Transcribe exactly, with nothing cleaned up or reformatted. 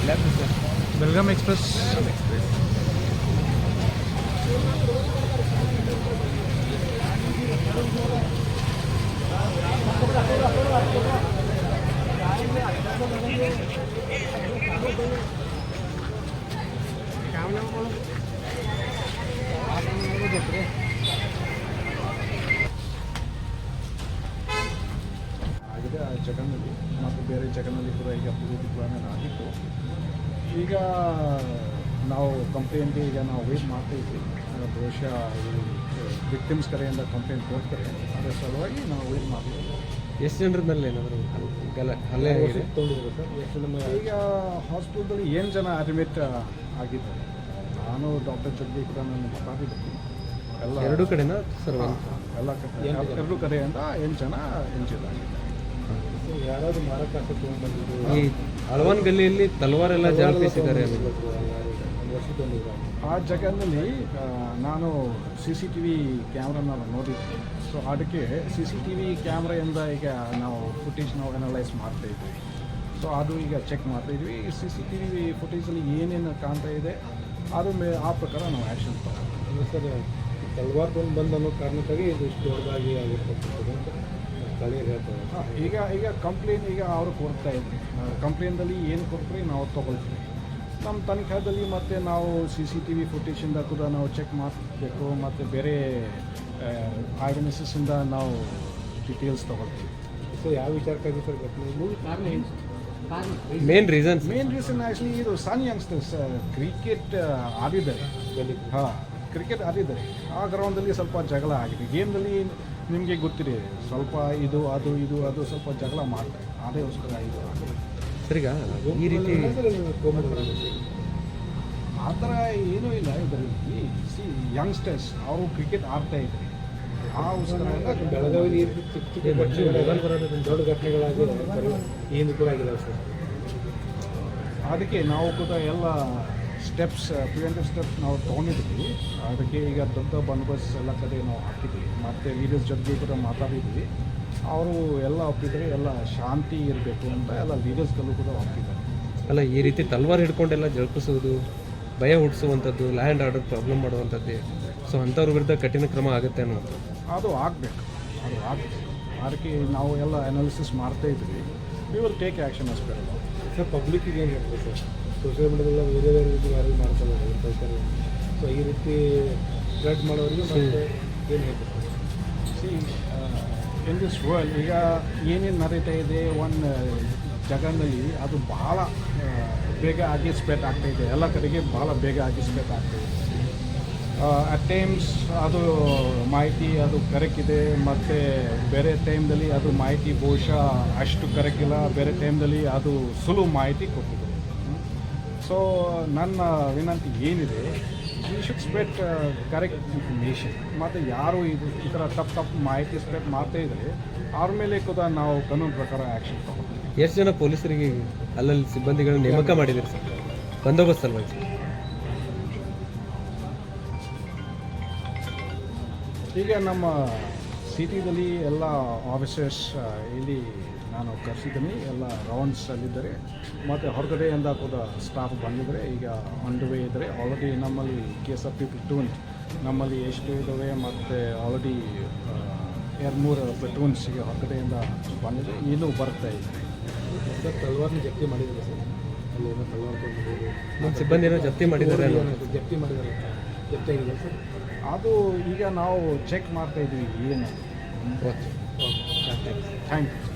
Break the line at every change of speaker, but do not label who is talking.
Belgaum express
ಆಗಿದೆ ಆ ಜಗನ್ನಲ್ಲಿ ಮತ್ತು ಬೇರೆ ಜಗನ್ನಲ್ಲಿ ಕೂಡ ಈಗ ಅಭಿವೃದ್ಧಿ ಪ್ಲಾನ್ ಆಗಿತ್ತು. ಈಗ ನಾವು ಕಂಪ್ಲೇಂಟ್ಗೆ ಈಗ ನಾವು ವೇಟ್ ಮಾಡ್ತಾ ಇದ್ವಿ. ಬಹುಶಃ ಈ ವಿಕ್ಟಿಮ್ಸ್ ಕಡೆಯಿಂದ ಕಂಪ್ಲೇಂಟ್ ಕೊಡ್ತಾರೆ, ಅದರ ಸಲುವಾಗಿ ನಾವು ವೇಟ್ ಮಾಡ್ತೀವಿ.
ಎಷ್ಟು ಜನರ ಮೇಲೆ ಏನಾದರೂ ಗಲ ಹಲ್ಲೆ ಆಗಿದೆ
ಈಗ ಹಾಸ್ಪಿಟಲ್ದಲ್ಲಿ ಏನು ಜನ ಅಡ್ಮಿಟ್ ಆಗಿದ್ದಾರೆ. ನಾನು ಡಾಕ್ಟರ್ ಜೊತೆ ಕೂಡ ನಾನು ಮಾತಾಡಿದ್ದೀನಿ. ಎಲ್ಲ
ಎರಡು ಕಡೆನಾ ಸರ್?
ಎಲ್ಲ ಕಡೆ ಎರಡು ಕಡೆಯಿಂದ ಎಂಟು ಜನ ಇಂಜೂರ್ ಆಗಿದ್ದಾರೆ.
ಯಾರಾದರೂ ಮಾರಕಾಸ್ತ್ರ ತೊಗೊಂಡ್ಬಂದಿದ್ದು
ಈ ಹಲವಾನ್ ಗಲ್ಲಿಯಲ್ಲಿ ತಲವಾರೆಲ್ಲ ಜಾಪಿಸಿದ್ದಾರೆ.
ಆ ಜಾಗದಲ್ಲಿ ನಾನು ಸಿ ಸಿ ಟಿ ವಿ ಕ್ಯಾಮ್ರಾನ ನೋಡಿದ್ವಿ. ಸೊ ಅದಕ್ಕೆ ಸಿ ಸಿ ಟಿ ವಿ ಕ್ಯಾಮ್ರಾಯಿಂದ ಈಗ ನಾವು ಫುಟೇಜ್ ನಾವು ಅನಲೈಸ್ ಮಾಡ್ತಾಯಿದ್ವಿ. ಸೊ ಅದು ಈಗ ಚೆಕ್ ಮಾಡ್ತಾಯಿದ್ವಿ. ಸಿ ಸಿ ಟಿ ವಿ ಫುಟೇಜಲ್ಲಿ ಏನೇನು ಕಾಣ್ತಾ ಇದೆ ಅದ್ರ ಮೇಲೆ ಆ ಪ್ರಕಾರ ನಾವು ಆ್ಯಕ್ಷನ್ ತಗೊಂಡು
ಸರ್ ತಲವಾರ್ ತೊಗೊಂಡು ಬಂದು ಅನ್ನೋ ಕಾರಣಕ್ಕಾಗಿ ಇದು ಇಷ್ಟು ದೊಡ್ಡದಾಗಿ ಆಗಿರ್ತಕ್ಕಂಥದ್ದು ಅಂತ ಸ್ಥಳೀಯರು ಹೇಳ್ತಾರೆ.
ಹಾಂ, ಈಗ ಈಗ ಕಂಪ್ಲೇಂಟ್ ಈಗ ಅವರು ಕೊಡ್ತಾ ಇದ್ವಿ. ಕಂಪ್ಲೇಂಟಲ್ಲಿ ಏನು ಕೊಡ್ತೀವಿ ನಾವು ತೊಗೊಳ್ತೀವಿ. ನಮ್ಮ ತನಿಖಾದಲ್ಲಿ ಮತ್ತು ನಾವು ಸಿ ಸಿ ಟಿ ವಿ ಫುಟೇಜಿಂದ ಕೂಡ ನಾವು ಚೆಕ್ ಮಾಡಬೇಕು ಮತ್ತು ಬೇರೆ ಐವಿಟ್ನೆಸ್ಸಿಂದ ನಾವು ಡೀಟೇಲ್ಸ್ ತೊಗೊಳ್ತೀವಿ.
ಸೊ ಯಾವ ವಿಚಾರಕ್ಕಾಗಿ ಸರ್ ಘಟನೆ?
Main reason
main reason actually ಇದು ಸಣ್ಣ ಯಂಗ್ಸ್ಟರ್ಸ್ ಕ್ರಿಕೆಟ್ ಆಡಿದ್ದಾರೆ. ಹಾಂ, ಕ್ರಿಕೆಟ್ ಆಡಿದ್ದಾರೆ. ಆ ಗ್ರೌಂಡಲ್ಲಿ ಸ್ವಲ್ಪ ಜಗಳ ಆಗಿದೆ. ಗೇಮ್ನಲ್ಲಿ ನಿಮಗೆ ಗೊತ್ತಿದೆ, ಸ್ವಲ್ಪ ಇದು ಅದು ಇದು ಅದು ಸ್ವಲ್ಪ ಜಗಳ ಮಾಡ್ತಾರೆ. ಅದಕ್ಕೋಸ್ಕರ ಇದು
ಸರಿಗ ಈ ರೀತಿ
ಆ ಥರ ಏನೂ ಇಲ್ಲ ಇದರಲ್ಲಿ. ಸಿ ಯಂಗ್ಸ್ಟರ್ಸ್ ಅವರು ಕ್ರಿಕೆಟ್ ಆಡ್ತಾ ಇದ್ದಾರೆ. ಆ ಉತ್ಸವ
ಬೆಳಗಾವಿ ಚಿಕ್ಕ ಚಿಕ್ಕ ಘಟನೆಗಳು ದೊಡ್ಡ ಘಟನೆಗಳಾಗಿ ಏನು ಕೂಡ ಆಗಿಲ್ಲ ಸರ್.
ಅದಕ್ಕೆ ನಾವು ಕೂಡ ಎಲ್ಲ ಸ್ಟೆಪ್ಸ್ ಪ್ರಿವೆಂಟಿವ್ ಸ್ಟೆಪ್ಸ್ ನಾವು ತೊಗೊಂಡಿದ್ವಿ. ಅದಕ್ಕೆ ಈಗ ದೊಡ್ಡ ಬಂದೋಬಸ್ತ್ ಎಲ್ಲ ಕಡೆ ನಾವು ಹಾಕಿದ್ವಿ. ಮತ್ತು ಲೀಡರ್ಸ್ ಜೊತೆಗೆ ಕೂಡ ಮಾತಾಡಿದ್ವಿ. ಅವರು ಎಲ್ಲ ಒಪ್ಪಿದ್ದಾರೆ, ಎಲ್ಲ ಶಾಂತಿ ಇರಬೇಕು ಅಂತ ಎಲ್ಲ ಲೀಡರ್ಸ್ಗಳು ಕೂಡ ಒಪ್ಪಿದ್ದಾರೆ.
ಅಲ್ಲ, ಈ ರೀತಿ ತಲ್ವಾರ್ ಹಿಡ್ಕೊಂಡೆಲ್ಲ ಜರುಪಿಸೋದು, ಭಯ ಹುಟ್ಟಿಸುವಂಥದ್ದು, ಲ್ಯಾಂಡ್ ಆರ್ಡರ್ ಪ್ರಾಬ್ಲಮ್ ಮಾಡುವಂಥದ್ದು, ಸೊ ಅಂಥವ್ರ ವಿರುದ್ಧ ಕಠಿಣ ಕ್ರಮ ಆಗುತ್ತೆ ಅನ್ನೋ
ಅದು ಆಗಬೇಕು ಅದು ಆಗಬೇಕು ಅದಕ್ಕೆ ನಾವು ಎಲ್ಲ ಅನಾಲಿಸಿಸ್ ಮಾಡ್ತಾ ಇದ್ವಿ. We will take action as per law.
Sir ಪಬ್ಲಿಕ್ಕಿಗೆ ಏನು ಹೇಳ್ತೀವಿ ಸರ್? ಸೋಷಿಯಲ್ ಮೀಡಿಯಾದಲ್ಲ ಬೇರೆ ಬೇರೆ ರೀತಿ ಯಾರು ಮಾಡ್ತಾರೆ ಹೇಳ್ತಾರೆ. ಸೊ ಈ ರೀತಿ ಸ್ಪ್ರೆಡ್ ಮಾಡೋರಿಗೆ ಮತ್ತೆ ಏನು ಹೇಳ್ತಾರೆ?
ಸಿ ಇನ್ ದಿಸ್ ವರ್ಲ್ಡ್ ಈಗ ಏನೇನು ನಡೀತಾ ಇದೆ ಒಂದು ಜಗನ್ನಲ್ಲಿ ಅದು ಭಾಳ ಬೇಗ ಆಗಿ ಸ್ಪ್ರೆಡ್ ಆಗ್ತಾಯಿದೆ. ಎಲ್ಲ ಕಡೆಗೆ ಭಾಳ ಬೇಗ ಆಗಿ ಸ್ಪ್ರೆಡ್ ಆಗ್ತಾಯಿದೆ. ಅಟ್ ಟೈಮ್ಸ್ ಅದು ಮಾಹಿತಿ ಅದು ಕರೆಕ್ಟ್ ಇದೆ, ಮತ್ತು ಬೇರೆ ಟೈಮ್ದಲ್ಲಿ ಅದು ಮಾಹಿತಿ ಬಹುಶಃ ಅಷ್ಟು ಕರೆಕ್ಟ್ ಇಲ್ಲ. ಬೇರೆ ಟೈಮ್ದಲ್ಲಿ ಅದು ಸುಲಭ ಮಾಹಿತಿ ಕೊಟ್ಟಿದೆ. ಸೊ ನನ್ನ ವಿನಂತಿ ಏನಿದೆ, we should spread correct information. ಮತ್ತು ಯಾರು ಇದು ಈ ಥರ ತಪ್ಪು ತಪ್ಪು ಮಾಹಿತಿ ಸ್ಪ್ರೆಡ್ ಮಾಡ್ತಾ ಇದ್ದರೆ ಅವ್ರ ಮೇಲೆ ಕೂಡ ನಾವು ಕಾನೂನು ಪ್ರಕಾರ ಆ್ಯಕ್ಷನ್ ತಗೊಳ್ತೀವಿ.
ಎಷ್ಟು ಜನ ಪೊಲೀಸರಿಗೆ ಅಲ್ಲಲ್ಲಿ ಸಿಬ್ಬಂದಿಗಳನ್ನ ನೇಮಕ ಮಾಡಿದ್ದೀರಿ ಸರ್ ಬಂದೋಬಸ್ತ್ ಸಲುವಾಗಿ?
ಈಗ ನಮ್ಮ ಸಿಟಿದಲ್ಲಿ ಎಲ್ಲ ಆಫೀಸರ್ಸ್ ಇಲ್ಲಿ ನಾನು ಕರೆಸಿದ್ದೀನಿ. ಎಲ್ಲ ರೌಂಡ್ಸಲ್ಲಿದ್ದಾರೆ ಮತ್ತು ಹೊರಗಡೆಯಿಂದ ಕೂಡ ಸ್ಟಾಫ್ ಬಂದಿದ್ದಾರೆ. ಈಗ ಆನ್ ದ ವೇ ಇದ್ದಾರೆ. ಆಲ್ರೆಡಿ ನಮ್ಮಲ್ಲಿ K S R P platoon ನಮ್ಮಲ್ಲಿ ಎಷ್ಟು ಇದ್ದಾವೆ, ಮತ್ತು ಆಲ್ರೆಡಿ ಎರಡು ಮೂರು ಪ್ಲಟೂನ್ಸ್ ಈಗ ಹೊರಗಡೆಯಿಂದ ಬಂದಿದೆ, ಇನ್ನೂ ಬರ್ತಾ ಇದ್ದಾರೆ.
ಸರ್ ತಲವಾರ್ನ ಜಪ್ತಿ ಮಾಡಿದ್ದಾರೆ ಸರ್? ಅಲ್ಲಿ ಏನೋ ತಲವಾರ್ ತೊಗೊಂಡಿದ್ದಾರೆ,
ನಮ್ಮ ಸಿಬ್ಬಂದಿ ಏನೋ ಜಪ್ತಿ ಮಾಡಿದ್ದಾರೆ
ಜಪ್ತಿ ಮಾಡಿದ್ದಾರೆ ಜಪ್ತಿ ಆಗಿದೆ ಸರ್?
ಅದು ಈಗ ನಾವು ಚೆಕ್ ಮಾಡ್ತಾ ಇದ್ವಿ ಏನು.
Okay,
thank you.